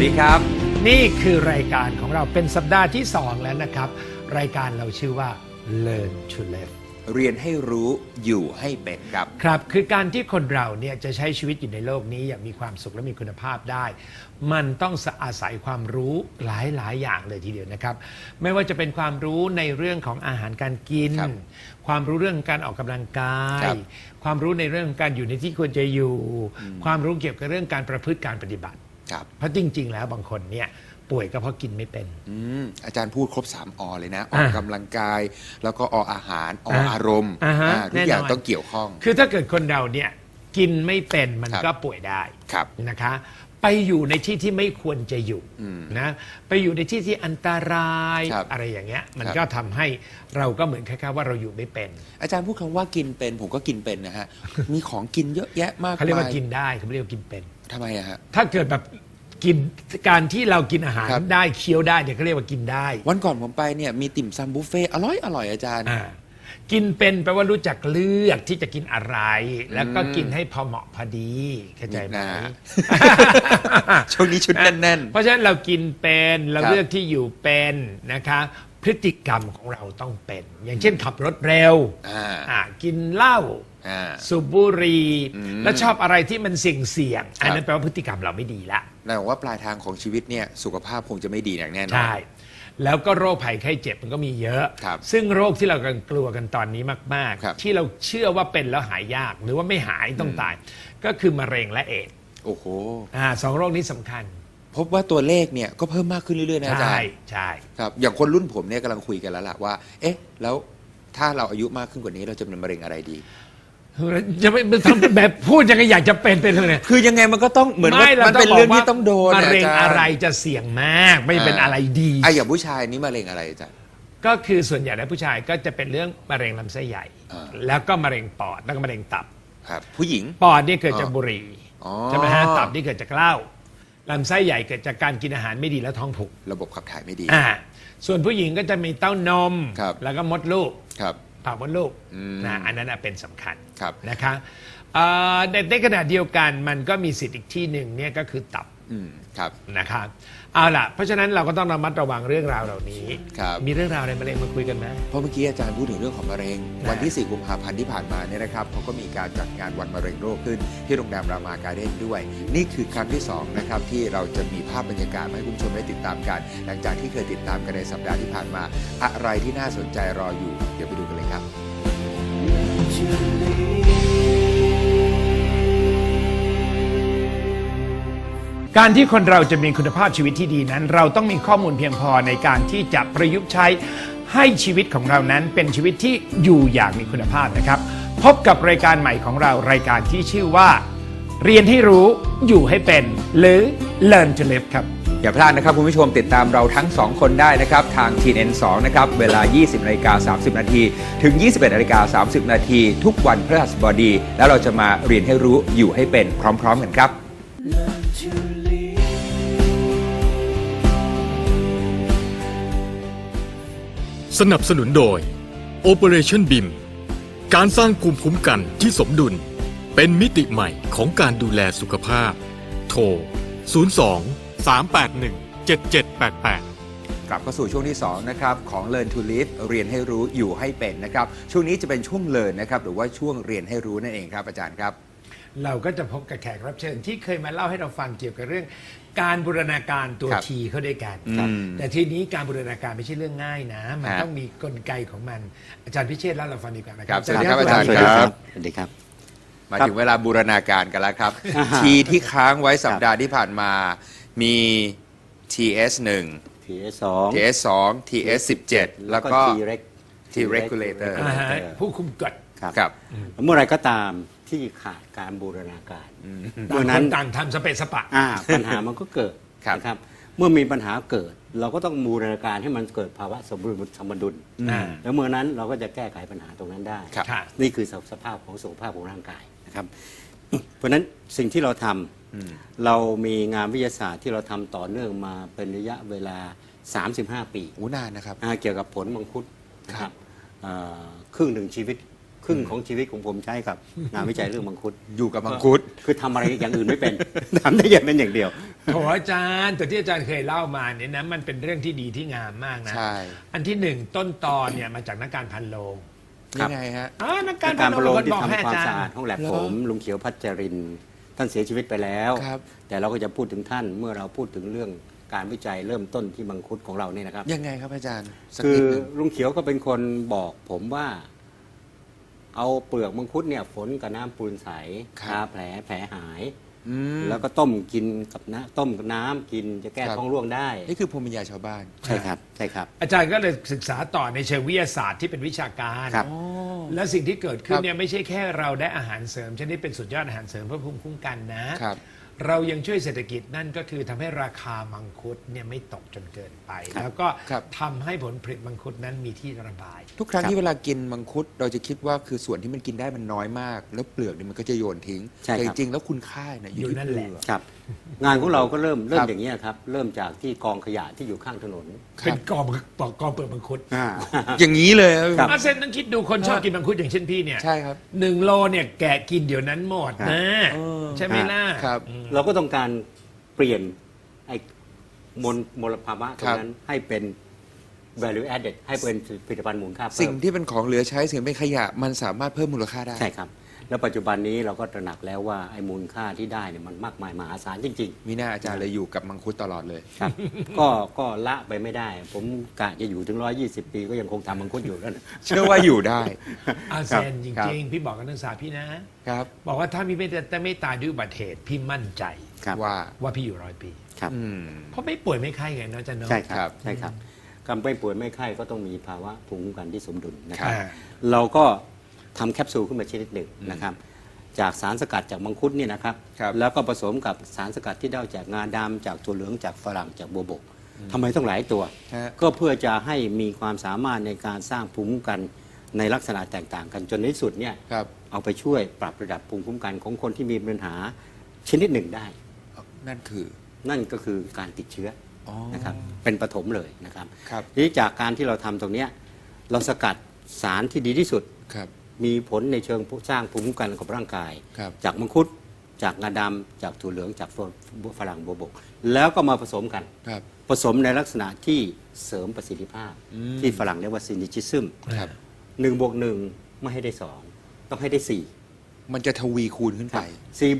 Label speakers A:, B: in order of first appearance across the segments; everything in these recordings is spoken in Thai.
A: ดีครับ
B: นี่คือรายการของเราเป็นสัปดาห์ที่2แล้วนะครับรายการเราชื่อว่า Learn to Live
A: เรียนให้รู้อยู่ให้เป็นครับ
B: ครับคือการที่คนเราเนี่ยจะใช้ชีวิตอยู่ในโลกนี้อย่างมีความสุขและมีคุณภาพได้ มันต้องอาศัยความรู้หลายอย่างเลยทีเดียวนะครับไม่ว่าจะเป็นความรู้ในเรื่องของอาหารการกิน
A: ครับ
B: ความรู้เรื่องการออกกำลังกาย
A: ครับ
B: ความรู้ในเรื่องของการอยู่ในที่ควรจะอยู่ ความรู้เกี่ยวกับเรื่องการประพฤติการปฏิบัติ
A: ครับ
B: เพราะจริง ๆ แล้วบางคนเนี่ยป่วยก็เพราะกินไม่เป็น
A: อาจารย์พูดครบ3 อเลยนะ ออกกำลังกาย แล้วก็ออาหาร อารมณ์
B: ฮะ
A: ทุกอย่าง
B: แน่นอน
A: ต้องเกี่ยวข้อง
B: คือถ้าเกิดคนเราเนี่ยกินไม่เป็นมัน
A: ครับ
B: ก็ป่วยได้
A: ครับ
B: นะคะ ไปอยู่ในที่ที่ไม่ควรจะอยู่นะไปอยู่ในที่ที่อันตราย
A: ครับ
B: อะไรอย่างเงี้ยมัน
A: ครับ
B: ก็ทำให้เราก็เหมือนคล้ายๆว่าเราอยู่ไม่เป็น
A: อาจารย์พูดคำว่ากินเป็นผมก็กินเป็นนะฮะ มีของกินเยอะแยะมาก
B: เขาเรียกว่า
A: าย
B: กินได้เขาไม่เรียกว่ากินเป็น
A: ทำไมอะฮะ
B: ถ้าเกิดแบบกินการที่เรากินอาหาร
A: ครับ
B: ได้เคี้ยวได้เนี่ยเขาเรียกว่ากินได้
A: วันก่อนผมไปเนี่ยมีติ่มซำบุฟเฟ่ต์อร่อยอาจารย์
B: อ่ากินเป็นแปลว่ารู้จักเลือกที่จะกินอะไร แล้วก็กินให้พอเหมาะพอดีเข้าใจไหม
A: นะ ช่วงนี้ชุดแน่น
B: เพราะฉะนั้นเรากินเป็นเรา
A: ครับ
B: เลือกที่อยู่เป็นนะคะพฤติกรรมของเราต้องเป็น อย่างเช่นขับรถเร็ว กินเหล้า
A: อ่า
B: สูบบุหรี่แล้วชอบอะไรที่มันเสี่ยงๆอันนั้
A: ครั
B: น
A: บ
B: แปลว่าพฤติกรรมเราไม่ดีละ
A: ๆแต่ว่าปลายทางของชีวิตเนี่ยสุขภาพคงจะไม่ดีอย่างแน่นอน
B: ใช่ แล้วก็โรคภัยไข้เจ็บมันก็มีเยอะ
A: ครับ
B: ซึ่งโรคที่เรากำลังกลัวกันตอนนี้มาก
A: ครับ
B: ๆ ที่เราเชื่อว่าเป็นแล้วหายยาก หรือว่าไม่หายต้องตาย ก็คือมะเร็งและเอดส์
A: โอ้โห
B: สองโรคนี้สำคัญ
A: พบว่าตัวเลขเนี่ยก็เพิ่มมากขึ้นเรื่อยๆนะอาจาร
B: ใช่
A: ย์
B: ใช่
A: ครับอย่างคนรุ่นผมเนี่ยกำลังคุยกันแล้วล่ะว่า เอ๊ะ แล้วถ้าเราอายุมากขึ้นกว่านี้เราจะเป็นมะเร็งอะไรดี
B: จะไม่ทำแบบพูดยังไงอยากจะเป็นไปเลยเนี่ย
A: คือยังไงมันก็ต้องเหมือนว่า
B: ไม่
A: มันเป็นเรื่องที่ต้องโดน
B: มะเร็ง
A: าจาย์
B: อะไรจะเสี่ยงมาก ไม่เป็นอะไรดี
A: อย่างผู้ชายนี่มะเร็งอะไรอาจารย์
B: ก็คือส่วนใหญ่แล้วผู้ชายก็จะเป็นเรื่องมะเร็งลำไส้ใหญ่
A: อ่า
B: แล้วก็มะเร็งปอดแล้วก็มะเร็งตับ
A: ครับ ผู้หญิง
B: ปอดนี่เกิดจากบุหรี่
A: อ๋อ
B: ใช่ไหมฮะตับนี่เกิดจากเหล้าลำไส้ใหญ่เกิดจากการกินอาหารไม่ดีแล้วท้องผูก
A: ระบบขับถ่ายไม่ดี
B: ส่วนผู้หญิงก็จะมีเต้านม
A: ครับ
B: แล้วก็มดลูก
A: ครับ
B: ปากมดลูก
A: อืม
B: นะอันนั้นนะเป็นสำคัญ
A: ครับ
B: นะคะในขณะเดียวกันมันก็มีสิทธิ์อีกที่หนึ่งเนี่ยก็คือตับ
A: ครับ
B: นะคะเอาล่ะเพราะฉะนั้นเราก็ต้องระมัดระวังเรื่องราวเหล่านี้
A: ครับ
B: มีเรื่องราวอะไรมาเร็งมาคุยกันไหม
A: เพราะเมื่อกี้อาจารย์พูดถึงเรื่องของมะเร็ง
B: นะ
A: วันที่ 4 กุมภาพันธ์ที่ผ่านมาเนี่ยนะครับเขาก็มีการจัดงานวันมะเร็งโลกขึ้น ที่โรงแรมรามาการ์เด้นด้วย นี่คือครั้งที่2นะครับที่เราจะมีภาพบรรยากาศมาให้คุณผู้ชมได้ติดตามกัน หลังจากที่เคยติดตามกันในสัปดาห์ที่ผ่านมา อะไรที่น่าสนใจรออยู่ เดี๋ยวไปดูกันเลยครับ
B: การที่คนเราจะมีคุณภาพชีวิตที่ดีนั้น เราต้องมีข้อมูลเพียงพอในการที่จะประยุกต์ใช้ให้ชีวิตของเรานั้นเป็นชีวิตที่อยู่อย่างมีคุณภาพนะครับ พบกับรายการใหม่ของเรารายการที่ชื่อว่า เรียนให้รู้อยู่ให้เป็น หรือ Learn to Live ครับ
A: อย่าพลาดนะครับคุณผู้ชมติดตามเราทั้ง 2 คนได้นะครับ ทาง TNN2 นะครับเวลา 20:30 น. ถึง 21:30 น. ทุกวันพฤหัสบดี แล้วเราจะมาเรียนให้รู้อยู่ให้เป็นพร้อมๆกันครับ
C: สนับสนุนโดย Operation BIM การสร้างภูมิคุ้มกันที่สมดุล เป็นมิติใหม่ของการดูแลสุขภาพ โทร 02-381-7788
A: กลับเข้าสู่ช่วงที่ 2 นะครับ ของ Learn to Live เรียนให้รู้อยู่ให้เป็นนะครับ ช่วงนี้จะเป็นช่วง Learn นะครับ หรือว่าช่วงเรียนให้รู้นั่นเองครับอาจารย์ครับ
B: เราก็จะพบกับแขกรับเชิญที่เคยมาเล่าให้เราฟังเกี่ยวกับเรื่องการบูรณาการตัว
A: ครับ
B: ทีเข้าด้วยกัน
A: ครับ
B: แต่ทีนี้การบูรณาการไม่ใช่เรื่องง่ายนะ มัน
A: ฮะ
B: ต้องมีกลไกของมันอาจารย์พิเชษฐ์เล่าเราฟังดีกว่านะค
A: ครั
B: รับ
A: สวัสดีครับอาจารย์
D: สวัสดีครับสวัสดีครับ
A: มาถึงเวลาบูรณาการกันแล้วครับ ทีที่ค้างไว้สัปดาห์ที่ผ่านมามี TS1
D: TS2
A: TS2 TS17 แล้วก็ T regulator
B: อ่าฮะผู้คุมกฎ
D: ครับ
A: ครับ
D: เมื่อไรก็ตามที่ขาดการบูรณาการเมื่อ
B: ต่าง
D: นั้น
B: คนต่างทำสเปะสปะ
D: ปัญหามันก็เกิด
A: ครับ
D: นะครับ เมื่อมีปัญหาเกิด เราก็ต้องบูรณาการให้มันเกิดภาวะสมดุล
B: อ่า
D: แล้วเมื่อนั้นเราก็จะแก้ไขปัญหาตรงนั้นได้
A: ครับ
B: ค่ะ
D: นี่คือสภาพของสุขภาพของร่างกายนะครับ เพราะฉะนั้นสิ่งที่เราทำเรามีงานวิทยาศาสตร์ที่เราทำต่อเนื่องมาเป็นระยะเวลา 35 ปี
A: นานนะครับ
D: เกี่ยวกับผลมังคุดนะครับครึ่งหนึ่งชีวิตครึ่งของชีวิตของผมใช้กับงานวิจัยเรื่องมังคุด
A: อยู่กับมังคุด
D: คือทำอะไรอย่างอื่นไม่เป็น ทำได้อย่างนั้นอย่างเดียว
B: โถอาจารย์แต่ที่อาจารย์เคยเล่ามาเนี่ยนะมันเป็นเรื่องที่ดีที่งามมากนะ
A: ใช่
B: อันที่หนึ่งต้นตอนเนี่ยมาจากนักการพันโลง
D: ครับ
A: ยังไงฮะ
B: นักการพั
D: กาน ร
B: โล
D: ประ
B: ง
D: โลม
B: เป็นคน
D: ที่
B: บอกให้
D: ทำความ
B: อาจาร
D: สะอาด
B: ย์
D: ห้องแลบ
A: เหรอ
D: ผมลุงเขียวพัชรินทร์ท่านเสียชีวิตไปแล้ว
A: ครับ
D: แต่เราก็จะพูดถึงท่านเมื่อเราพูดถึงเรื่องการวิจัยเริ่มต้นที่มังคุดของเราเนี่ยนะครับ
A: ยังไงครับอาจารย์สัก
D: คือ
A: นิดหนึ่ง
D: ลุงเขียวก็เป็นคนบอกผมว่า เอาเปลือกมังคุดเนี่ยฝนกับน้ำปูนใสทาแผลหาย
A: อืม
D: แล้วก็ต้มกินกับต้มกับน้ำกินจะแก้
A: ครับ
D: ท้องร่วงได้
A: นี่คือภูมิปัญญาชาวบ้าน
D: ใช่ครับใช่ครับ
B: อาจารย์ก็เลยศึกษาต่อในเชิงวิทยาศาสตร์ที่เป็นวิชาการ
D: ครับ
B: และสิ่งที่เกิดขึ้
A: คน รับ
B: เนี่ยไม่ใช่แค่เราได้อาหารเสริมชนิดเป็นสุดยอดอาหารเสริมเพื่อภูมิคุ้มกันนะ
A: ครับ
B: เรายังช่วยเศรษฐกิจนั่นก็คือทำให้ราคามังคุดเนี่ยไม่ตกจนเกินไป
D: ครับ
B: แล้วก็
A: ครับ
B: ทำให้ผลผลิตมังคุดนั้นมีที่ระบาย
A: ทุกครั้ง
D: ครับ
A: ที่เวลากินมังคุดเราจะคิดว่าคือส่วนที่มันกินได้มันน้อยมาก แล้วเปลือกเนี่ยมันก็จะโยนทิ้ง
D: ใช่
A: แต่
D: ค
A: จ
D: รับ
A: ริงๆแล้วคุณค่าเนี่ยอยู่
B: อยู่
A: ที่
B: นั่น
A: เป
B: แห
A: ลื
B: ละ
A: อก
D: ครับ งานของเราก็เริ่ม
A: ครับ
D: อย่างนี้ยครับ เริ่มจากที่กองขยะที่อยู่ข้างถนน
B: เป็นกองเปลือกมังคุด
A: อย่างนี้เลย
D: ครับ
B: อาเซนต้องคิดดูคนชอบกินมังคุดอย่างเช่นพี่เนี่ย
A: ใช่ครับ
B: 1 โลเนี่ยแกะกินเดี๋ยวนั้นหมดนะ ใช่ไหมล่ะ
A: ครับ
D: เราก็ต้องการเปลี่ยนไอ้มลภาวะตรงนั้นให้เป็น value added ให้เป็นผลิตภัณฑ์มูลค่าเพิ่
A: สิ่ง
D: ม
A: ที่เป็นของเหลือใช้สิ่งเป็นขยะมันสามารถเพิ่มมูลค่าได้
D: ใช่ครับ แล้วปัจจุบันนี้เราก็ตระหนักแล้วว่าไอ้มูลค่าที่ได้เนี่ยมันมากมายมหาศาลจริง
A: มีหน้าอาจารย์เลยอยู่กับมังคุดตลอดเลย
D: ๆ ครับ ก็ละไปไม่ได้ ผมกะจะอยู่ถึง 120 ปีก็ยังคงทำมังคุดอยู่นั่นนะ
A: เชื่อว่าอยู่ได้
B: อาเซนจ
A: ครับ
B: ริงๆ พี่บอกกับนักศึกษาพี่นะ
A: ครับ
B: บอกว่าถ้าพี่ไม่ตายด้วยอุบัติเหตุพี่มั่นใจ
D: ครับ
A: ว่า
B: ว่าพี่อยู่100 ปี
D: ครับ
A: อืม
B: เพราะไม่ป่วยไม่ไข้ไงเนาะอาจันเนาะ
D: ใช่ค
A: ครั
D: รับ บใช่ครับการไม่ป่วยไม่ไข้ก็ต้องมีภาวะภูมิคุ้มกันที่สมดุลนะค
A: ครั
D: รับ
A: บ
D: เราก็ทำแคปซูลขึ้นมาชนิดหนึ่งนะครับ จากสารสกัดจากมังคุดเนี่ยนะครับ
A: ครับ
D: แล้วก็ผสมกับสารสกัดที่ได้จากงาดำจากถั่วเหลืองจากฝรั่งจากบัวบกทำไมต้องหลายตัว
A: ฮะ
D: ก็เพื่อจะให้มีความสามารถในการสร้างภูมิคุ้มกันในลักษณะแตกต่างกันจนในที่สุดเนี่ย
A: ครับ
D: เอาไปช่วยปรับระดับภูมิคุ้มกันของคนที่มีปัญหาชนิดหนึ่งได้
A: นั่นคือ
D: นั่นก็คือการติดเชื้อ
A: อ๋อ
D: นะครับเป็นปฐมเลยนะครับ
A: ครับ
D: ทีนี้จากการที่เราทำตรงเนี้ยเราสกัดสารที่ดีที่สุด
A: ครับ
D: มีผลในเชิงสร้างภูมิคุ้มกันกับร่างกาย
A: ครับ
D: จากมังคุดจากงาดำจากถั่วเหลืองจากฝรั่งบัวบก แล้วก็มาผสมกัน
A: ครับ
D: ผสมในลักษณะที่เสริมประสิทธิภาพ
A: อืม
D: ที่ฝรั่งเรียกว่าซินิจิซึม
A: ครับ
D: 1+1ไม่ให้ได้ 2 ต้องให้ได้ 4
A: มันจะทวีคูณขึ้นไป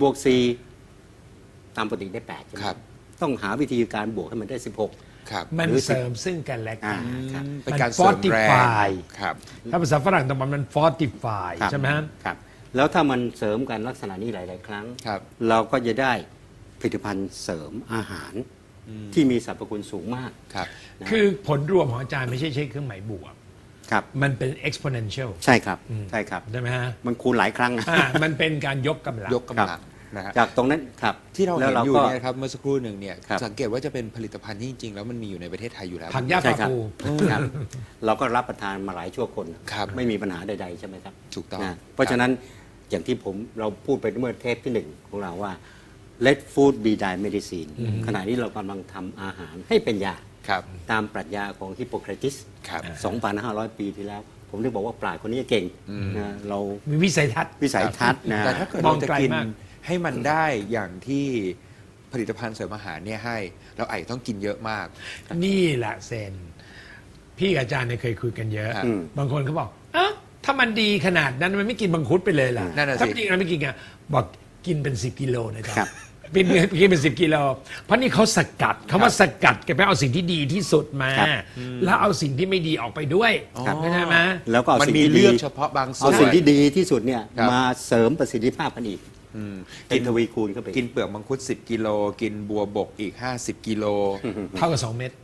D: 4+4ตามปกติได้ 8 ใช่ไหม
A: ครับ
D: ต้องหาวิธีการบวกให้มันได้ 16
A: ครับ
B: มัน
D: หรือ
B: เสริมซึ่งกันและกัน
D: ครับ
A: เป็นการเสริมแรง
B: fortify
A: ครับ
B: ถ้าภาษาฝรั่งตรงมัน fortify
D: ครับ
B: ใช่ไหมฮะ
D: ครับ แล้วถ้ามันเสริมกันลักษณะนี้หลาย ๆ ครั้ง
A: ครับ
D: เราก็จะได้ผลิตภัณฑ์เสริมอาหารที่มีสรรพคุณสูงมาก
A: ครับ
D: นะ
B: คือผลรวมของอาจารย์ไม่ใช่ใช้เครื่องหมายบวก
D: ครับ
B: มันเป็น exponential
D: ใช่ครับใช่ครับ
B: ใช่ไหมฮะ
D: มันคูณหลายครั้ง
B: มันเป็นการยกกำลัง
A: ยกกำลังนะฮะ
D: จากตรงนั้นครับ
A: ที่เรา
D: แล้
A: เห็
D: วน
A: อยู่
D: ก็
A: เนี่ยครับเมื่อสักครู่หนึ่งเนี่ย
D: ครับ
A: สังเกตว่าจะเป็นผลิตภัณฑ์ที่จริงๆแล้วมันมีอยู่ในประเทศไทยอยู่แล้ว
B: ผักหญ้า
D: ใช่
B: ปลา
D: ครับ
B: ปู
D: ครับ เราก็รับประทานมาหลายชั่วคน
A: ครับ
D: ไม่มีปัญหาใด ๆ ใช่ไหมครับ
A: ถูกต้อง
D: นะเพราะฉะนั้นอย่างที่เราพูดไปเมื่อเทปที่ 1 ของเราว่า let food be thy medicine ขณะนี้เรากำลังทำอาหารให้เป็นยา
A: ครับ
D: ตามปรัชญาของฮิปโปเครติส
A: ครับ
D: 2,500 ปีที่แล้ว ผมถึงบอกว่าปราชญ์คนนี้เก่งนะเรา
B: มีวิสัยทัศน์
D: วิสัยทัศน์นะ
A: แต่ถ้าเกิด
B: ม
A: เรา
B: อง
A: จะ
B: ไกล
A: กิน
B: มาก
A: ให้มันได้อย่างที่ผลิตภัณฑ์เสริมอาหารเนี่ยให้ เราอาจจะต้องกินเยอะมาก
B: นี่แหละเซน พี่กับอาจารย์เนี่ยเคยคุยกันเยอะ
A: ครับ
B: บางคนเขาบอกเอ้าถ้ามันดีขนาดนั้นมันไม่กินมังคุดไปเลยล่ะ
A: นั่นน่ะสิ
B: ถ้าจริงเราไม่กินไงบอกกินเป็น10 กิโลนะจ๊ะ
D: ครับ
B: กินเป็น10 กิโลเพราะนี่เขาสกัดเขาว่าสกัดแกไปเอาสิ่งที่ดีที่สุดมา
D: ครับ
B: แล้วเอาสิ่งที่ไม่ดีออกไปด้วย
D: ครับ
B: ใช่ไหม
D: แล้วก็เอา
A: มัน
D: สิ่ง
A: มี
D: ที่
A: เลื
D: ดี
A: อกเฉพาะบางส่
D: เอา
A: วน
D: สิ่งที่ดีที่สุดเนี่ย
A: ครับ
D: มาเสริมประสิทธิภาพกันอีก
A: อืม
D: เป็นทวีคูณเข้าไป
A: กินเปลือกมังคุด10 กิโล กินบัวบกอีก 50 กิโล
B: เท่ากับ2 เม็ด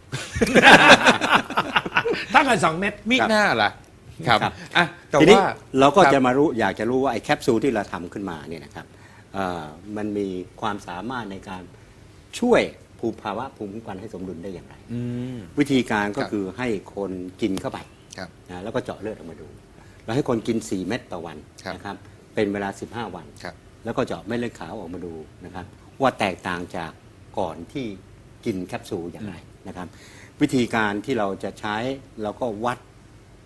B: เท่ากับ2 เม็ด
A: มิหน้าล่ะ ครับ
D: ครับ
A: อ่ะแต่
D: ทีนี้
A: ว่า
D: เราก็
A: คบ
D: จะมาอยากจะรู้ว่าไอ้แคปซูลที่เราทำขึ้นมาเนี่ยนะครับมันมีความสามารถในการช่วยภาวะภูมิคุ้มกันให้สมดุลได้อย่างไร
A: อืม
D: วิธีการก็
A: ครับ
D: คือให้คนกินเข้าไป
A: ครับ
D: นะแล้วก็เจาะเลือดออกมาดู เราให้คนกิน 4 เม็ดต่อวัน
A: ครับ
D: นะครับเป็นเวลา 15 วัน
A: ครับ
D: แล้วก็เจาะเม็ดเลือดขาวออกมาดูนะครับว่าแตกต่างจากก่อนที่กินแคปซูลอย่างไรนะครับ วิธีการที่เราจะใช้เราก็วัด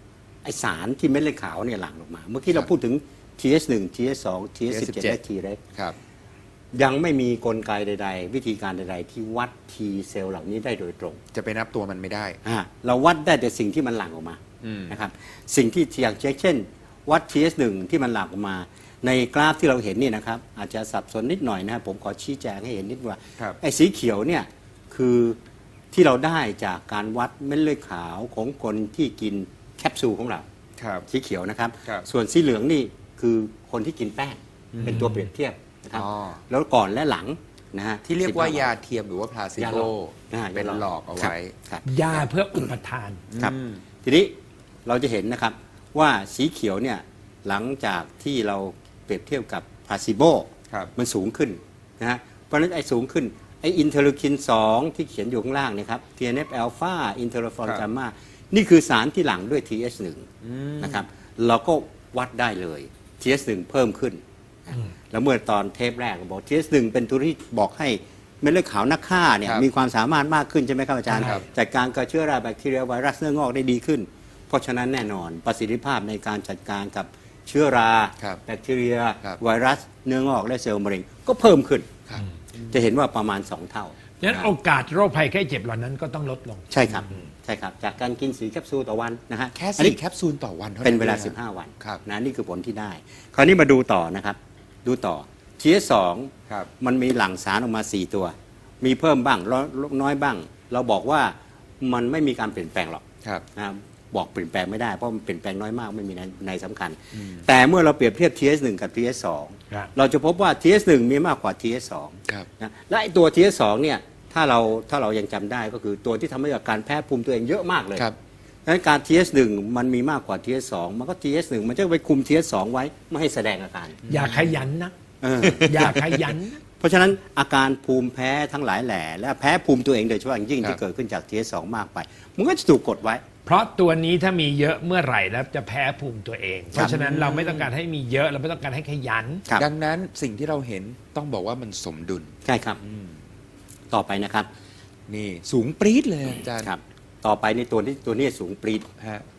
D: อสารที่เม็ดเลือดขาวเนี่ยหลั่งออกมา เมื่อกี้เราพูดถึง TH1 TH2 TH17 และ T reg
A: ครับ
D: ยังไม่มีกลไกใดๆ วิธีการใดๆ ที่วัด T เซลล์เหล่านี้ได้โดยตรง
A: จะไปนับตัวมันไม่ได้
D: เราวัดได้แต่สิ่งที่มันหลั่งออกมา
A: อืม
D: นะครับสิ่งที่อย่างเช่น วัด TH1 ที่มันหลั่งออกมา ในกราฟที่เราเห็นนี่นะครับอาจจะสับสนนิดหน่อยนะครับผมขอชี้แจงให้เห็นนิดว่า
A: ครับ
D: ไอ้สีเขียวเนี่ยคือที่เราได้จากการวัดเม็ดเลือดขาวของคนที่กินแคปซูลของเรา
A: ครับ
D: สีเขียวนะครับ
A: ครับ
D: ส่วนสีเหลืองนี่คือคนที่กินแป้งเป็นตัวเปรียบเทียบนะครับ
A: อ๋อ
D: แล้วก่อนและหลังนะฮะ
A: ที่เรียกว่า
D: 15
A: ยาเทียมหรือว่าพลาซิ
D: ยา
A: โบ
D: หลอกนะฮะ
A: เป็น
D: ยา
A: หลอกเอาไว้
D: ครับ
B: ยาเพื่ออุปทาน
D: ครับ
A: อืม
D: ทีนี้เราจะเห็นนะครับว่าสีเขียวเนี่ยหลังจากที่เราเปรียบเทียบกับพลาซิโบ
A: ครับ
D: มันสูงขึ้นนะฮะเพราะฉะนั้นไอ้สูงขึ้นไอ้อินเทอร์ลูคิน 2 ที่เขียนอยู่ข้างล่างเนะครับ TNF อ l p h a อินเทอร์ฟอนกามานี่คือสารที่หลั่งด้วย TH1 นะครับเราก็วัดได้เลย TH1 เพิ่มขึ้นแล้วเมื่อตอนเทปแรกก็บอก TH1 เป็นตัวที่บอกให้เม็ดเลือดขาวนักฆ่าเนี่ย
A: ครับ
D: มีความสามารถมากขึ้นใช่ไหมครับอาจารย์
A: ครับ
D: จัดการกับเชื้อราแบคทีเรียไวรัสเนื้องอกได้ดีขึ้น เพราะฉะนั้นแน่นอนประสิทธิภาพในการจัดการกับเชื้อรา
A: ครับ
D: แบคทีเรีย
A: ครับ
D: ไวรัสเนื้องอกและเซลล์มะเร็งก็เพิ่มขึ้น
A: ครับ
D: จะเห็นว่าประมาณ 2 เท่า
B: ฉะนั้นโอกาสโรคภัยไข้เจ็บเหล่านั้นก็ต้องลดลง
D: ใช่ครับใช่ครับ จากการกิน4แคปซูลต่อวันนะฮะ
A: แค่
D: อันนี้
A: 4 แคปซูลต่อวันเท่านั้น
D: เป็นเวลา
A: องะ
D: 15 วัน
A: ครับ
D: นะนี่คือผลที่ได้ คราวนี้มาดูต่อนะครับ ดูต่อ TH2
A: ครับ
D: มันมีหลั่งสารออกมา 4 ตัว มีเพิ่มบ้างลดน้อยบ้าง เราบอกว่ามันไม่มีการเปลี่ยนแปลงหรอก
A: ครับ
D: นะบอกเปลี่ยนแปลงไม่ได้เพราะมันเปลี่ยนแปลงน้อยมากไม่มีในสำคัญ แต่เมื่อเราเปรียบเทียบ TH1 กับ TH2
B: ครับ
D: เราจะพบว่า TH1 มีมากกว่า TH2
A: ครับ
D: นะและไอ้ตัว TH2 เนี่ยถ้าเรายังจำได้ก็คือตัวที่ทำให้เกิดการแพ้ภูมิตัวเองเยอะมากเลย
A: ครับ
D: ดังนั้นการ TH1 มันมีมากกว่า TH2 มันก็ TH1 มันจะไปคุม TH2 ไว้ไม่ให้แสดงอาการ
B: อย่าขยันนะ
D: เออ
B: อย่าขยันนะ
D: เพราะฉะนั้นอาการภูมิแพ้ทั้งหลายแหล่และแพ้ภูมิตัวเองโดยเฉพาะอย่างยิ่ง
A: ครับ
D: ที่เกิดขึ้นจาก TH2 มากไป มันก็จะถูกกดไว้
B: เพราะตัวนี้ถ้ามีเยอะเมื่อไหร่แล้วจะแพ้ภูมิตัวเอง เพราะฉะนั้นเราไม่ต้องการให้มีเยอะเราไม่ต้องการให้ขยัน
D: ครับ
A: ดังนั้นสิ่งที่เราเห็นต้องบอกว่ามันสมดุล
D: ใช่ครับ ต่อไปนะครับ
A: นี่สูงปรี๊ดเลยอาจารย์
D: ครับ ต่อไปในตัวนี้สูงปรีด
A: ฮะ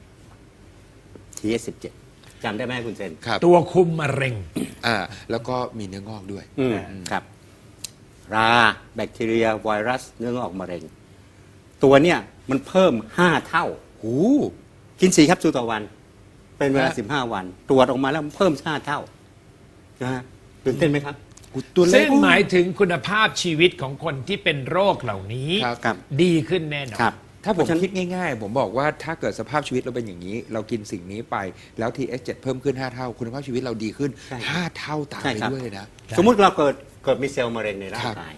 D: TH17 จำได้ไหมคุณเซน
A: ครับ
B: ตัวคุมมะเร็ง
A: แล้วก็มีเนื้องอกด้วย
D: ครับ ราแบคทีเรียไวรัสเนื้องอกมะเร็ง ตัวเนี่ยมันเพิ่ม 5 เท่า
A: หู
D: กิน4แคปซูลต่อวัน เป็นเวลา
A: ฮะ
D: 15 วัน ตรวจออกมาแล้วมันเพิ่ม 5 เท่านะฮะตื่นเต้นไหมครับ
A: ตัวเล
B: ซึ่
A: ข
B: งหมายถึงคุณภาพชีวิตของคนที่เป็นโรคเหล่านี้
A: ครับ
D: ครับ
B: ดีขึ้นแน่นอน
D: ครับ
A: ถ้าผม
D: เพราะฉะนั้น
A: คิดง่ายๆ ผมบอกว่าถ้าเกิดสภาพชีวิตเราเป็นอย่างนี้ เรากินสิ่งนี้ไปแล้ว TH7 เพิ่มขึ้น 5 เท่า คุณภาพชีวิตเราดีขึ้น
D: ใช่
A: 5 เท่าตาม
D: ใช่
A: ไป
D: ครับ
A: ด้วยเลยนะ
D: สมมุติเราเกิดมีเซลล์มะเร็งในร่าง
A: ครับ
D: กาย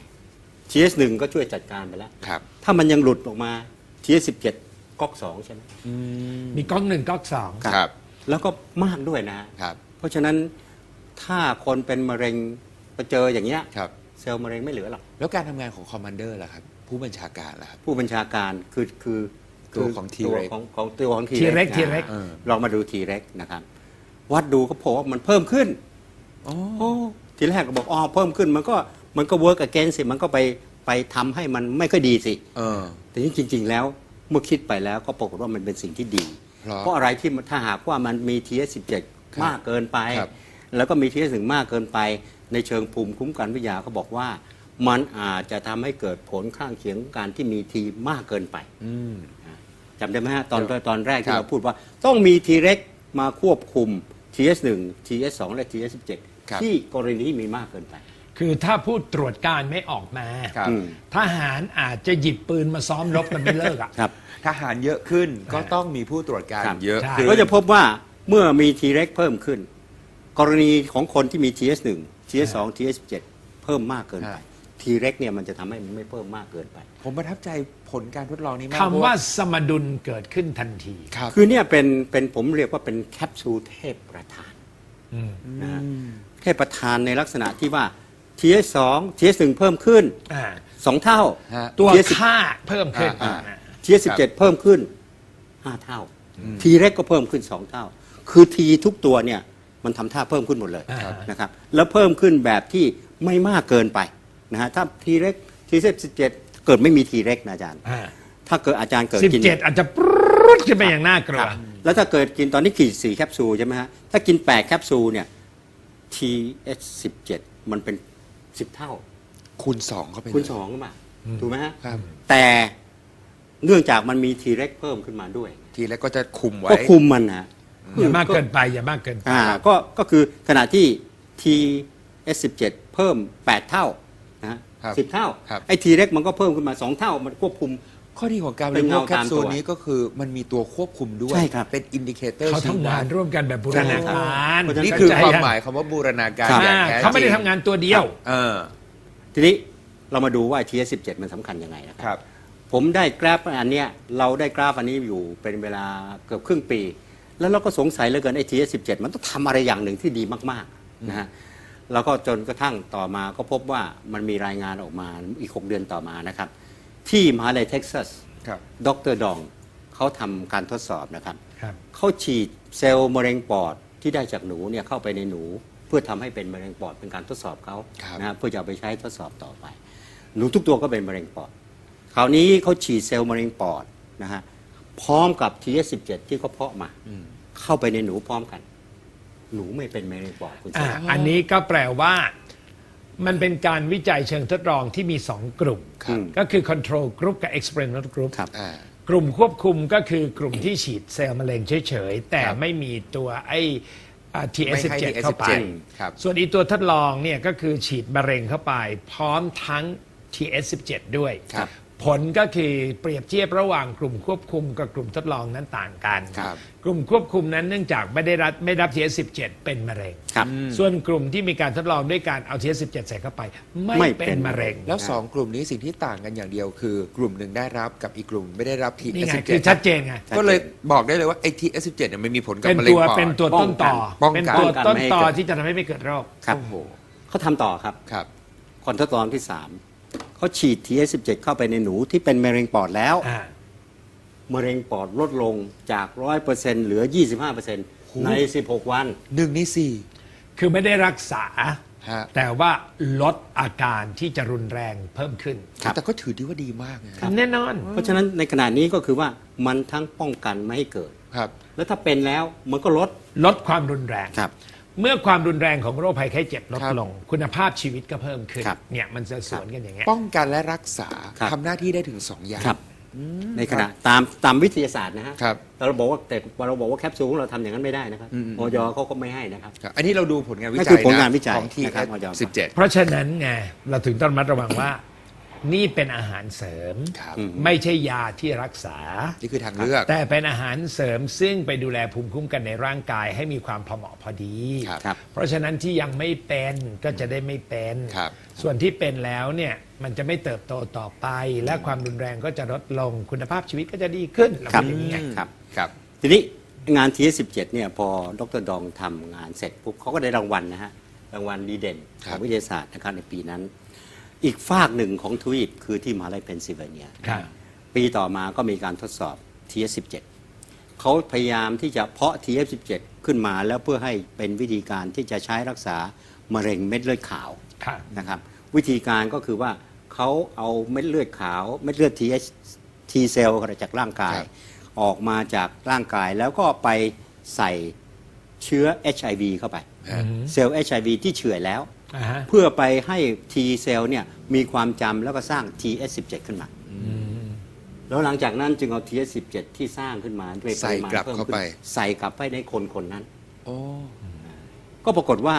D: TH1 ก็ช่วยจัดการไปแล้ว
A: ครับ
D: ถ้ามันยังหลุดออกมา TH17 ก๊อก2ใช่ไหม
B: มีก๊อก1ก๊อก2
A: ครับ
D: แล้วก็มากด้วยนะฮะ
A: ครับ
D: เพราะฉะนั้นถ้าคนเป็นมะเร็งไปเจออย่างเงี้ย
A: ครับ
D: เซลล์มะเร็งไม่เหลือหรอก
A: แล้วการทำงานของคอมมานเดอร์ล่ะครับ ผู้บัญชาการล่ะครับ
D: ผู้บัญชาการคือ
A: ตัวของ
D: ตัว
A: T-Rex
D: ของตัวของ
B: T-Rex
D: นะ
B: T-Rex
D: ลองมาดู T-Rex นะครับ วัดดูก็พบว่ามันเพิ่มขึ้น โอ้ทีแรกก็บอกอ๋อเพิ่มขึ้นมันก็ work against สิมันก็ไปทำให้มันไม่ค่อยดีสิ แต่จริง ๆ แล้วเมื่อคิดไปแล้วก็ปรากฏว่ามันเป็นสิ่งที่ดี เพราะอะไรที่ถ้าหากว่ามันมี TH17
A: ครับ
D: มากเกินไป
A: ครับ
D: แล้วก็มี TH1 มากเกินไป ในเชิงภูมิคุ้มกันวิทยาเขาบอกว่า มันอาจจะทำให้เกิดผลข้างเคียงของการที่มีทีมากเกินไป
A: อืม
D: จำได้ไหมฮะตอนแรก
A: ค
D: ที่
A: รับ
D: เราพูดว่าต้องมี T-Rex มาควบคุม TH1 TH2 และ TH17
A: ครับ
D: ที่กรณีที่มีมากเกินไป
B: คือถ้าผู้ตรวจการไม่ออกมา
A: ครับ
D: อืม
B: ทหารอาจจะหยิบปืนมาซ้อมรบกันไม่เลิกอ่ะ
D: ครับ
A: ทหารเยอะขึ้นก็ต้องมีผู้ตรวจการ
D: ครับ
A: เยอะ
B: ใช่
A: ขึ้น
D: ก็จะพบว่าเมื่อมี T-Rex เพิ่มขึ้น กรณีของคนที่มี TH1 TH2 TH17 เพิ่มมากเกินไป T-Rex เนี่ยมันจะทำให้มันไม่เพิ่มมากเกินไป
A: ผมประทับใจผลการทดลองนี้มาก
B: คำว่าสมดุลเกิดขึ้นทันที
A: ครับ
D: คือเนี่ยเป็นผมเรียกว่าเป็นแคปซูลเทพประธานนะฮะเทพประธานในลักษณะที่ว่า TH2 TH1 เพิ่มขึ้น
B: อ่า
D: 2 เท่า
A: ฮะ
B: ตัว
D: TH10
B: ค่าเพิ่มขึ้น
A: อ่า
D: TH17 เพิ่มขึ้น 5 เท่า T-Rex ก็เพิ่มขึ้น 2 เท่า คือ T ทุกตัวเนี่ยมันทำท่าเพิ่มขึ้นหมดเลย
B: ครับ
D: นะครับ แล้วเพิ่มขึ้นแบบที่ไม่มากเกินไปนะฮะ ถ้า T-Rex T17 เกิดไม่มี T-Rex นะอาจารย์
B: อ่า
D: ถ้าเกิดอาจารย์เกิดกิน
B: 17 อาจจะปรึ๊รุดขึ้นไปอย่างน่ากลัว
D: แล้วถ้าเกิดกินตอนนี้กี่4แคปซูลใช่ไหมฮะถ้ากิน8แคปซูลเนี่ย TH17 มันเป็น10เท่า
A: คูณ2เข้าไปเลย
D: คูณ2ขึ้นมาถูกไหมฮะ
A: ครับ
D: แต่เนื่องจากมันมีทีเร็กเพิ่มขึ้นมาด้วย
A: ทีแรกก็จะคุมไว้
D: ก็คุมมันนะ
B: อย่ามากเกินไปอย่ามากเกินไป
D: ก็คือขณะที่ TS17 เพิ่ม8เท่านะฮะ
A: ครับ
D: 10เท่า
A: ครับ
D: ไอ้ทีเร็กมันก็เพิ่มขึ้นมา2เท่ามันควบคุม
A: ข้อดีของการบ
D: เป็
A: ริ
D: น
A: โภ
D: เงา
A: คแคปซูล
D: ตามตัว
A: นี้ก็คือมันมีตัวควบคุมด้วย
D: ใช่ครับ
A: เป็นอินดิเคเตอร์
B: เขาทำงานร่วมกันแบบบูรณาการ
A: นี่คือความหมายคำว่าบูรณาการ
D: ครับ
A: อย่างแท้จริง
B: เขาไม่ได้ทำงานตัวเดียว
A: เออ
D: ทีนี้เรามาดูว่า TS17 มันสำคัญยังไงนะค
A: ครั
D: รับ ผมได้กราฟอันเนี้ยเราได้กราฟอันนี้อยู่เป็นเวลาเกือบครึ่งปี แล้วเราก็สงสัยเหลือเกินไอ้ TS17 มันต้องทำอะไรอย่างหนึ่งที่ดีมากๆนะฮะแล้วก็จนกระทั่งต่อมาก็พบว่ามันมีรายงานออกมาอีก6เดือนต่อมานะครับที่มหาลัยเท็กซัส
A: ครับ
D: ดร.ดองเขาทำการทดสอบนะครับ
B: ครับ
D: เขาฉีดเซลล์มะเร็งปอดที่ได้จากหนูเนี่ยเข้าไปในหนู เพื่อทำให้เป็นมะเร็งปอดเป็นการทดสอบเขา
A: ครับ
D: นะฮะเพื่อจะเอาไปใช้ทดสอบต่อไป หนูทุกตัวก็เป็นมะเร็งปอด คราวนี้เขาฉีดเซลล์มะเร็งปอดนะฮะพร้อมกับ TS17 ที่เขาเพาะมา เข้าไปในหนูพร้อมกัน หนูไม่เป็นมะเร็งปอดคุณ
B: อ่า
D: เสก
B: อันนี้ก็แปลว่ามันเป็นการวิจัยเชิงทดลองที่มี 2 กลุ่ม
D: ครับ
B: ก็คือ control group กับ experiment group
D: ครับ
A: อ่า
B: กลุ่มควบคุมก็คือกลุ่มที่ฉีดเซลล์มะเร็งเฉยๆ แต่
A: ครับ
B: ไม่มีตัวไอ้
A: ไม่ให้
B: TS17 เข้าไป
A: ครับ
B: ส่วนอีตัวทดลองเนี่ยก็คือฉีดมะเร็งเข้าไป พร้อมทั้ง TS17 ด้วย
A: ครับ
B: ผลก็คือเปรียบเทียบระหว่างกลุ่มควบคุมกับกลุ่มทดลองนั้นต่างกัน
A: ครับ
B: กลุ่มควบคุมนั้นเนื่องจากไม่รับ TS17 เป็นมะเร็ง
D: ครับ
B: ส่วนกลุ่มที่มีการทดลองด้วยการเอา TS17 ใส่เข้าไป
D: ไม่
B: ไม่
D: เป็
B: เป็น นมะเร็ง
A: แล้วสองกลุ่มนี้สิ่งที่ต่างกันอย่างเดียวคือกลุ่มหนึ่งได้รับกับอีกกลุ่มไม่ได้รับที
B: นี่ไง
A: S17
B: คือชัดเจนไง
A: ก็เลยบอกได้เลยว่าไอ้ที S17 เนี่ยมันมีผลกับ
B: เป็น
A: มะเร็ง
B: ตัว
A: ปอด
B: เป็นตัวต้นต่อ
A: ป้องกัน
B: เป็นตัว
D: ป้องกัน
B: ต้น
D: ไม่ให้
B: ต่อ
D: เกิด
B: ที่จะทำให้ไม่เกิดโรค
D: ครับ
A: โอ้โห
D: เขาทำต่อครับ
A: ครับ
D: คนทดลองที่ 3เขาฉีด TS17 เข้าไปในหนูที่เป็นมะเร็งปอดแล้ว
B: อ่า
D: มะเร็งปอดลดลงจาก 100%เหลือ 25%ใน 16 วัน
A: 1 ใน
B: คือไม่ได้รักษา
A: ฮะ
B: แต่ว่าลดอาการที่จะรุนแรงเพิ่มขึ้น
D: ครับ
A: แต่ก็ถือดีว่าดีมากนะ
B: แน่นอน
D: เพราะฉะนั้นในขณะนี้ก็คือว่ามันทั้งป้องกันไม่ให้เกิด
A: ครับ
D: แล้วถ้าเป็นแล้วมันก็ลด
B: ลดความรุนแรง
D: ครับ
B: เมื่อความรุนแรงของโรคภัยไข้เจ็บลด
A: ครับ
B: ลง คุณภาพชีวิตก็เพิ่มขึ้น
D: ครับ
B: เนี่ยมันจะสวนกันอย่างเงี้ย
A: ป้องกันและรักษา
D: ครับ
A: ทำหน้าที่ได้ถึง 2 อย่าง
D: ครับ ในขณะตามวิทยาศาสตร์นะฮะ
A: ครับ
D: แต่เราบอกว่าแคปซูลของเราทำอย่างนั้นไม่ได้นะครับออยเขาก็ไม่ให้นะครับ
A: ครับ อันนี้เราดูผลงานวิ
D: นั่
A: จั
D: นคื
A: ย
D: อผลงานวิจัย
A: ของ
D: นะครับ
A: TS17
B: เพราะฉะนั้นไงเราถึงต้องระมัดระวังว่า นี่เป็นอาหารเสริม
A: ครับ
B: ไม่ใช่ยาที่รักษา
A: นี่คือทางเลือก
B: แต่เป็นอาหารเสริมซึ่งไปดูแลภูมิคุ้มกันในร่างกายให้มีความพอเหมาะพอดี
A: ครับ
D: ครับ
B: เพราะฉะนั้นที่ยังไม่เป็นก็จะได้ไม่เป็น
A: ครับ
B: ส่วนที่เป็นแล้วเนี่ยมันจะไม่เติบโตต่อไป และความรุนแรงก็จะลดลงคุณภาพชีวิตก็จะดีขึ้นเรา
D: ครับ
B: เป็นอย่างนี้ไง
D: ครับ
A: ครับ
D: ทีนี้งาน TS17 เนี่ยพอดรดองทำงานเสร็จปุ๊บเขาก็ได้รางวัลนะฮะรางวัลดีเด่น
A: ครั
D: ทา
A: บ
D: งวิทยาศาสตร์นะครับในปีนั้น อีกฝากหนึ่งของทวีปคือที่มหาลัยเพนซิลเวเนีย
B: ครับ
D: ปีต่อมาก็มีการทดสอบ TS17 เขาพยายามที่จะเพาะ TS17 ขึ้นมาแล้วเพื่อให้เป็นวิธีการที่จะใช้รักษามะเร็งเม็ดเลือดขาว
B: ครับ
D: นะครับวิธีการก็คือว่าเขาเอาเม็ดเลือดขาวเม็ดเลือด T เซลล์จากร่างกาย
A: ครับ
D: ออกมาจากร่างกายแล้วก็ไปใส่เชื้อ HIV เข้าไป
A: ฮะ
D: เซลล์ HIV ที่เฉื่อยแล้ว
B: อ่าฮะ
D: เพื่อไปให้ T เซลล์เนี่ยมีความจำแล้วก็สร้าง TS17 ขึ้นมา แล้วหลังจากนั้นจึงเอา TS17 ที่สร้างขึ้นมาด้วยปริมาณ
A: ใส่กลับ
D: พิ่ม
A: เข้า
D: ขึ้น
A: ไป
D: ใส่กลับไปในคนคนนั้น
A: โอ้
D: ก็ปรากฏว่า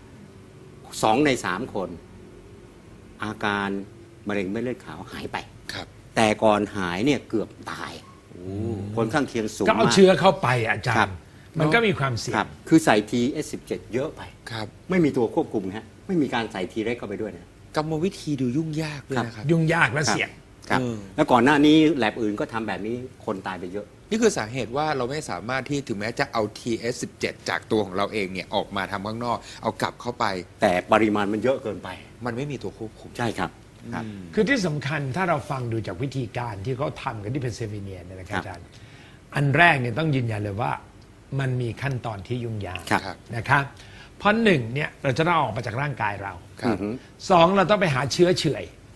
D: 2 ใน 3 คน อาการมะเร็งเม็ดเลือดขาวหายไป
A: ครับ
D: แต่ก่อนหายเนี่ยเกือบตายผลข้างเคียงสูง
B: ก็เอา
D: มาก
B: เชื้อเข้าไปอาจาร
D: ครับ
B: ย์ มันก็มีความเสี่ย
D: ครั
B: ง
D: บคือใส่ TS17 เยอะไป
A: ครับ
D: ไม่มีตัวควบคุมฮะไม่มีการใส่ T เร็กเข้าไปด้วยนะ
A: กรรมวิธีดูยุ่งยากด้วยนะครับ
B: ยุ่งยากและเสี่ยง
D: ครับ
A: เออ
D: แล้วก่อนหน้านี้แลบอื่นก็ทำแบบนี้คนตายไปเยอะ
A: นี่คือสาเหตุว่าเราไม่สามารถที่ถึงแม้จะเอา TS17 จากตัวของเราเองเนี่ยออกมาทำข้างนอก เอากลับเข้าไป
D: แต่ปริมาณมันเยอะเกินไป
A: มันไม่มีตัวควบคุม
D: ใช่ครับครับ
B: คือที่สำคัญถ้าเราฟังดูจากวิธีการที่เขาทำกันที่เพนซิลเวเนียเนี่ยนะครับ
D: ครับ
B: อาจารย์ อันแรกเนี่ยต้องยืนยันเลยว่า มันมีขั้นตอนที่ยุ่งยาก
D: ครับ
B: นะครับเพราะหนึ่งเนี่ยเราจะต้องเอาออกมาจากร่างกายเรา
A: ครับ
B: สองเราต้องไปหาเชื้อเฉื่อย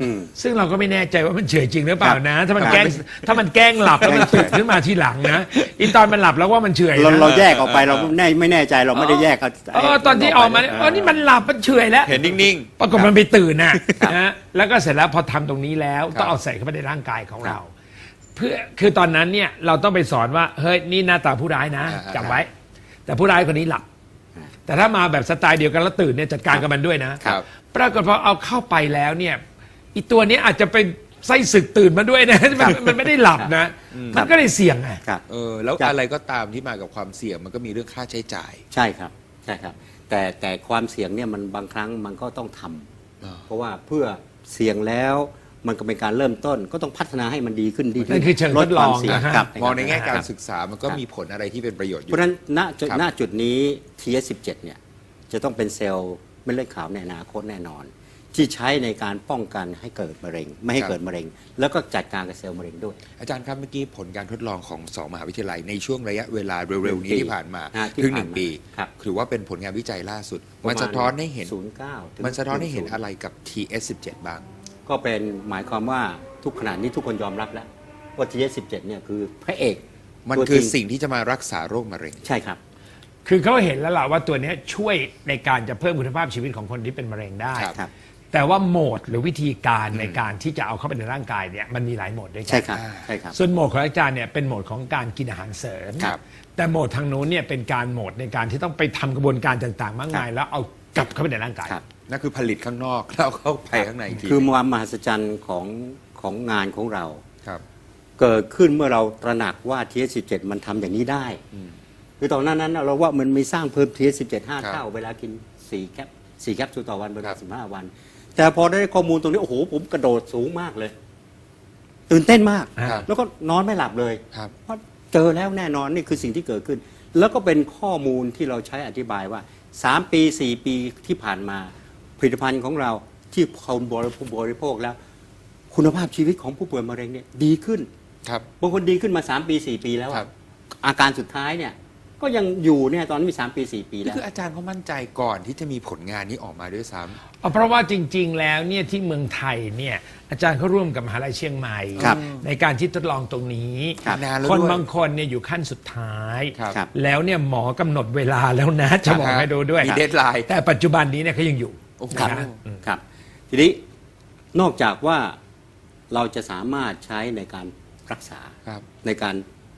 D: อืม
B: ซึ่งเราก็ไม่แน่ใจว่ามันเฉื่อยจริงหรือเปล่านะ ถ้ามัน
D: ครับ
B: แกล้งหลับแล้วมันตื่นขึ้นมาทีหลังนะอีตอนมันหลับแล้วว่ามันเฉื่อย
D: เรา
B: นะ
D: เราแยกออกไปเราไม่แน่ใจเราไม่ได้แยก
B: ตอนที่ออกมาเนี่ยนี่มันหลับมันเฉื่อยแล้ว
A: เห็นนิ่งๆ
B: ปรากฏมันไปตื่นนะแล้วก็เสร็จแล้วพอทำตรงนี้แล้วต้องเอาใส่เข้าไปในร่างกายของเรา เพื่อคือตอนนั้นเนี่ยเราต้องไปสอนว่าเฮ้ยนี่หน้าตาผู้ร้ายนะจำไว้ แต่ผู้ร้ายคนนี้หลับ แต่ถ้ามาแบบสไตล์เดียวกันแล้วตื่นเนี่ยจัดการกับมันด้วยนะครับ ปรากฏพอเอาเข้าไปแล้วเนี่ยอีตัวนี้อาจจะเป็นไส้ศึกตื่นมาด้วยนะมันไม่ได้หลับนะมันก็เลยเสี่ยงไง
D: ครับ
A: แล้ว
D: ครับ
A: อะไรก็ตามที่มากับความเสี่ยงมันก็มีเรื่องค่าใช้จ่าย
D: ใช่ครับใช่ครับ แต่ความเสี่ยงเนี่ยมันบางครั้งมันก็ต้องทำเพราะว่าเพื่อเสี่ยงแล้วมันก็เป็นการเริ่มต้นก็ต้องพัฒนาให้มันดีขึ้นดีขึ้
B: นั่
D: น
B: นคือเชิงทดลอง
D: ความเสี่ยง
B: นะฮะ
D: ครับ
A: มองในแง่การ
D: ครับ
A: ศึกษามันก็มีผลอะไรที่เป็นประโยชน์อ
D: เพ
A: ยู่
D: ราะฉะนั้น
A: ครับ
D: ณจุดนี้ TS17 เนี่ยจะต้องเป็นเซลล์เม็ดเลือดขาวในอนาคตแน่นอน ที่ใช้ในการป้องกันให้เกิดมะเร็ง ไม่ให้เกิดมะเร็ง แล้วก็จัดการกับเซลล์มะเร็งด้วย
A: อาจารย์ครับเมื่อกี้ผลการทดลองของสองมหาวิทยาลัยในช่วงระยะเวลาเร็วๆนี้
D: 1 ปี
A: ที่ผ่านมา
D: ที่
A: เพิ่ง
D: ผ่านมา
A: 1 ปี
D: ครับ
A: ถือว่าเป็นผลงานวิจัยล่าสุด
D: ประมาณ
A: มันสะท้อนให้เห็น
D: 09ถึง
A: มันสะท้อนให้เห็น
D: 10
A: อะไรกับ TS17 บ้าง
D: ก็เป็นหมายความว่าทุกขณะนี้ทุกคนยอมรับแล้วว่า TS17 เนี่ยคือพระเอก
A: มัน
D: ตัว
A: คือ
D: จริง
A: สิ่งที่จะมารักษาโรคมะเร็ง
D: ใช่ครับ
B: คือเขาเห็นแล้วล่ะว่าตัวเนี้ยช่วยในการจะเพิ่มคุณภาพชีวิตของคนที่เป็นมะเร็งได้
A: ครับ
B: แต่ว่าโหมดหรือวิธีการในการที่จะเอาเข้าไปในร่างกายเนี่ยมันมีหลายโหมดด้วยกั
D: ใช่ครับใช่ครับ
B: ส่วนโหมดของอาจารย์เนี่ยเป็นโหมดของการกินอาหารเสริม
A: ครับ
B: แต่โหมดทางนู้นเนี่ยเป็นการโหมดในการที่ต้องไปทำกระบวนการต่างๆ มากมาย แล้วเอากลับเข้าไปในร่างกาย
D: ครับ
A: นั่นคือผลิตข้างนอกแล้วเข้าไปข้างในอีกที
D: คือความมหัศจรรย์ของงานของเรา
A: ครับ
D: เกิดขึ้นเมื่อเราตระหนักว่า TS17 มันทำอย่างนี้ได้คือตอนนั้นเราว่ามันมีสร้างเพิ่ม TS17 5 เท่า เวลากิน4 แคปซูลต่อวันเวลา15 วัน แต่พอได้ข้อมูลตรงนี้ โอ้โห ผมกระโดดสูงมากเลย ตื่นเต้นมาก
A: ครับ
D: แล้วก็นอนไม่หลับเลย
A: ครับ
D: เพราะเจอแล้วแน่นอนนี่คือสิ่งที่เกิดขึ้น แล้วก็เป็นข้อมูลที่เราใช้อธิบายว่า 3 ปี 4 ปีที่ผ่านมา ผลิตภัณฑ์ของเราที่คนบริโภคแล้ว คุณภาพชีวิตของผู้ป่วยมะเร็งเนี่ยดีขึ้น
A: ครับ
D: บางคนดีขึ้นมา 3 ปี 4 ปีแล้ว
A: ครั
D: อะ
A: บ
D: อาการสุดท้ายเนี่ยก็ยังอยู่เนี่ยตอนนี้มี 3 ปี 4 ปี
A: นี่
D: แล้ว
A: คืออาจารย์เขามั่นใจก่อนที่จะมีผลงานนี้ออกมาด้วยซ้ำ
B: เพราะว่าจริงๆ แล้วเนี่ยที่เมืองไทยเนี่ยอาจารย์เขาร่วมกับมหาลัยเชียงใหม่
D: ครับ
B: ในการที่ทดลองตรงนี้
D: ครับ
A: นานแล้ว
B: คน
A: ด้วย
B: บางคนเนี่ยอยู่ขั้นสุดท้าย
A: ครับ
D: ครับ
B: แล้วเนี่ยหมอกำหนดเวลาแล้วนะจะบอกให้ดูด้วย
A: มีเดดไลน์
B: แต่ปัจจุบันนี้เนี่ยเขายังอยู่
A: โอ้โห
D: ครับ
B: นะ
D: ครับ ทีนี้นอกจากว่าเราจะสามารถใช้ในการรักษา
A: ครับ
D: ในการ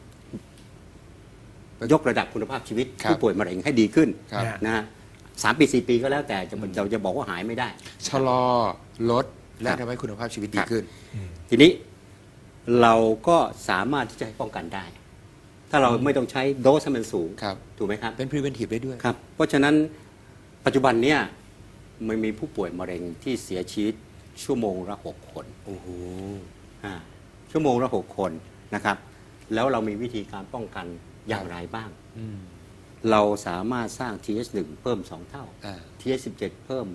D: ยกระดับคุณภาพชีวิต
A: ครับ
D: ผู้ป่วยมะเร็งให้ดีขึ้น
A: ครับ
D: นะฮะ3 ปี 4 ปีก็แล้วแต่เราจะบอกว่าหายไม่ได้
A: ชะลอลดและ
D: ครับ
A: ทำให้คุณภาพชีวิตดีขึ้น
D: ทีนี้เราก็สามารถที่จะให้ป้องกันได้ ถ้าเราไม่ต้องใช้โดสให้มันสูง
A: ครับ
D: ถูกไหมครับ
A: เป็น preventive ได้ด้วย
D: ครับ เพราะฉะนั้นปัจจุบันเนี่ยมันมีผู้ป่วยมะเร็งที่เสียชีวิตชั่วโมงละ6 คน
A: โอ้โห
D: ชั่วโมงละ6 คนนะครับ แล้วเรามีวิธีการป้องกันอย่างไรบ้าง
A: อืม
D: เราสามารถสร้าง TH1 เพิ่ม 2 เท่า
A: อ่า
D: TH17 เพิ่ม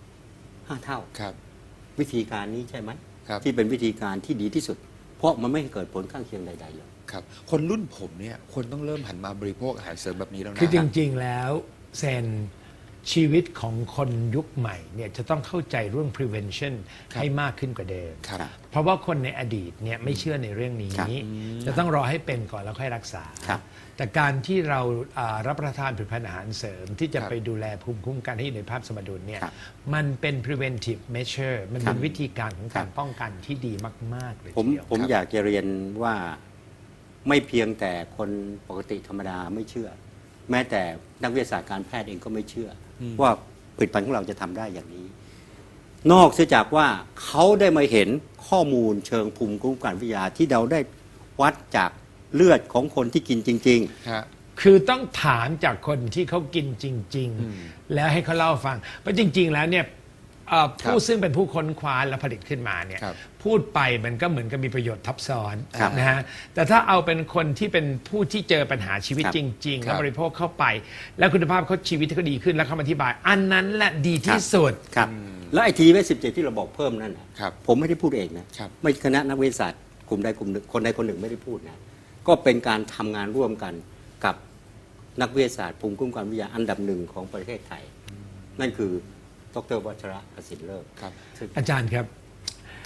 D: 5 เท่า
A: ครับ
D: วิธีการนี้ใช่ไหม
A: ครับ
D: ที่เป็นวิธีการที่ดีที่สุด เพราะมันไม่เกิดผลข้างเคียงใดๆเลย
A: ครับ คนรุ่นผมเนี่ยคนต้องเริ่มหันมาบริโภคอาหารเสริมแบบนี้แล้วนะ
B: คือจริงๆ แล้วเซนชีวิตของคนยุคใหม่เนี่ยจะต้องเข้าใจเรื่อง prevention
A: ครับ
B: ให้มากขึ้นกว่าเดิม
A: ครับ
B: เพราะว่าคนในอดีตเนี่ยไม่เชื่อในเรื่องนี้
D: ครับ
B: จะต้องรอให้เป็นก่อนแล้วค่อยรักษา
D: ครับ
B: แต่การที่เรารับประทานผลิตภัณฑ์อาหารเสริม ที่จะ
A: ครับ
B: ไปดูแลภูมิคุ้มกันให้อยู่ในภาพสมดุลเนี่ย
D: ครับ
B: มันเป็น preventive measure มันเป็น
D: ครับ
B: วิธีการของการ
D: ครับ
B: ป้องกันที่ดีมาก ๆ เลย
D: ผม
B: ทีเดียว
D: ผมอยากจะเรียนว่าไม่เพียงแต่คนปกติธรรมดาไม่เชื่อ แม้แต่นักวิทยาศาสตร์การแพทย์เองก็ไม่เชื่ออว่าผลิตภัณฑ์ของเราจะทำได้อย่างนี้ นอกเสียจากว่าเขาได้มาเห็นข้อมูลเชิงภูมิคุ้มกันวิทยาที่เราได้วัดจากเลือดของคนที่กินจริง
A: ฮะ
B: คือต้องถามจากคนที่เขากินจริง ๆ แล้วให้เขาเล่าฟัง เพราะจริง ๆ แล้วเนี่ยผู้ซึ่งเป็นผู้ค้นคว้าและผลิตขึ้นมาเนี่ย
A: ครับ
B: พูดไปมันก็เหมือนกับมีประโยชน์ทับซ้อน
D: ครับ
B: นะฮะแต่ถ้าเอาเป็นคนที่เป็นผู้ที่เจอปัญหาชีวิต
D: ครับ
B: จริง ๆ
A: ครับ
B: แล้วบริโภคเข้าไป แล้วคุณภาพเขาชีวิตเขาดีขึ้นแล้วเขามาอธิบาย อันนั้นแหละดีที่สุด
D: ๆ ครับ แล้วไอทีเวส17ที่เราบอกเพิ่มนั่นน่ะ
A: ครับ
D: ผมไม่ได้พูดเองนะครับ ไม่คณะนักวิทยาศาสตร์กลุ่มใดกลุ่มหนึ่งคนใดคนหนึ่งไม่ได้พูดนะก็เป็นการทำงานร่วมกันกับนักวิทยาศาสตร์ภูมิคุ้มกันวิทยาอันดับหนึ่งของประเทศไทย นั่นคือดรวัชระประสิทธิ์เลิศ
A: ครับ
D: ซึ่ง
B: อาจารย์ครับ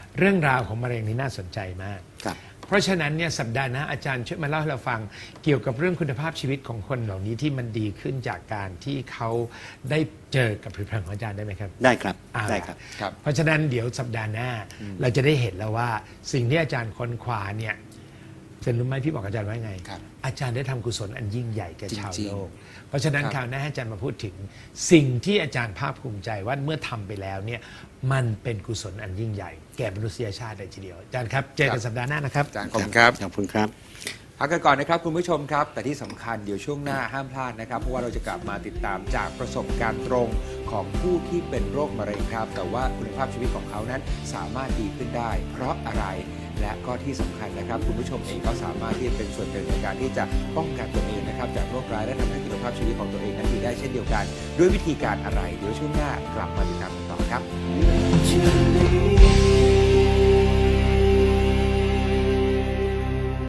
B: เรื่องราวของมะเร็งนี่น่าสนใจมาก
D: ครับ
B: เพราะฉะนั้นเนี่ยสัปดาห์หน้าอาจารย์ช่วยมาเล่าให้เราฟังเกี่ยวกับเรื่องคุณภาพชีวิตของคนเหล่านี้ที่มันดีขึ้นจากการที่เขาได้เจอกับผลิตภัณฑ์ของอาจารย์ได้ไหมครับ
D: ได้ครับ
B: อ่า
D: ได้ครับ
A: ครับ
B: เพราะฉะนั้นเดี๋ยวสัปดาห์หน้าเราจะได้เห็นแล้วว่าสิ่งที่อาจารย์ค้นคว้าเนี่ยเซนรู้ไหมพี่บอกอาจารย์ว่าไง
A: ครับ
B: อาจารย์ได้ทำกุศลอันยิ่งใหญ่แก่ชาว
A: จริงๆ
B: โลก เพราะฉะนั้น
A: ครับ
B: คราวหน้าให้อาจารย์มาพูดถึงสิ่งที่อาจารย์ภาคภูมิใจว่าเมื่อทำไปแล้วเนี่ยมันเป็นกุศลอันยิ่งใหญ่แก่มนุษยชาติเลยทีเดียวอาจารย์ครับเจอกันสัปดาห์หน้านะครับ
A: อาจารย์ขอบคุณครับ
D: ขอบคุณครับ
A: พักกันก่อนนะครับคุณผู้ชมครับ แต่ที่สำคัญเดี๋ยวช่วงหน้าห้ามพลาดนะครับเพราะว่าเราจะกลับมาติดตามจากประสบการณ์ตรงของผู้ที่เป็นโรคมะเร็งครับ แต่ว่าคุณภาพชีวิตของเขานั้นสามารถดีขึ้นได้ เพราะอะไรและก็ที่สำคัญนะครับ คุณผู้ชมเองก็สามารถที่จะเป็นส่วนหนึ่งในการที่จะป้องกันตัวเองนะครับจากโรคร้ายและทำให้คุณภาพชีวิตของตัวเองนั้นดีได้เช่นเดียวกัน ด้วยวิธีการอะไรเดี๋ยวช่วงหน้ากลับมาติดตามกันต่อครับ